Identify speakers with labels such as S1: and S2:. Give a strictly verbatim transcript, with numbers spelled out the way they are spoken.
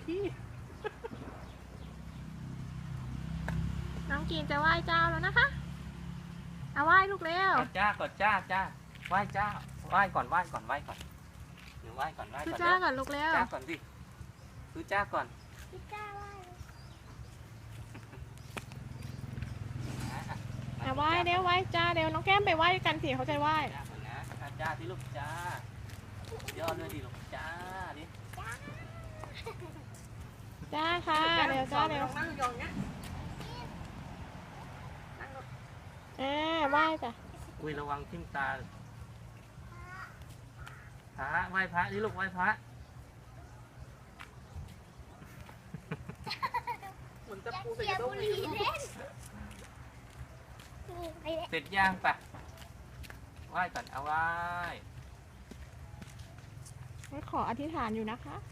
S1: พี่
S2: น้องกีนจะไหว้เจ้าแล้วนะคะเอาไหว้ลูกเร็ว
S1: จ้าก่อนจ้าจ้าไหว้จ้าไหว้ก่อนไหว้ก่อนไหว้ก่อนหนูไหว้ก่อนไหว้
S2: คือ
S1: ก่อน
S2: จ้าก่อนลูกเร็ว
S1: จ้าก่อนสิคือจ้าก่อน
S3: พี่จ้าว่า
S2: เอาไหว้เร็วไหว้จ้าเร็วน้องแก้มไปไหว้กันสิเขาจะไหว้
S1: จ้าก่อนนะอ่ะจ้าที่ลูกจ้าย่อด้วยดิลูกจ้าดิ
S2: จ้าค่ะเร็วจ้าเร็ว
S3: นั่งยองเนี้ยนั่งลง
S2: เออไหว้จ้ะ
S1: อุ้ยระวังทิ่มตาพระไหว้พระนี่ลูกไหว้พระ
S3: เหมือนจะปูใส่กระด้งเลย
S1: เสร็จย่างปะไหว้ก่อนเอาไหว้
S2: ขออธิษฐานอยู่นะคะ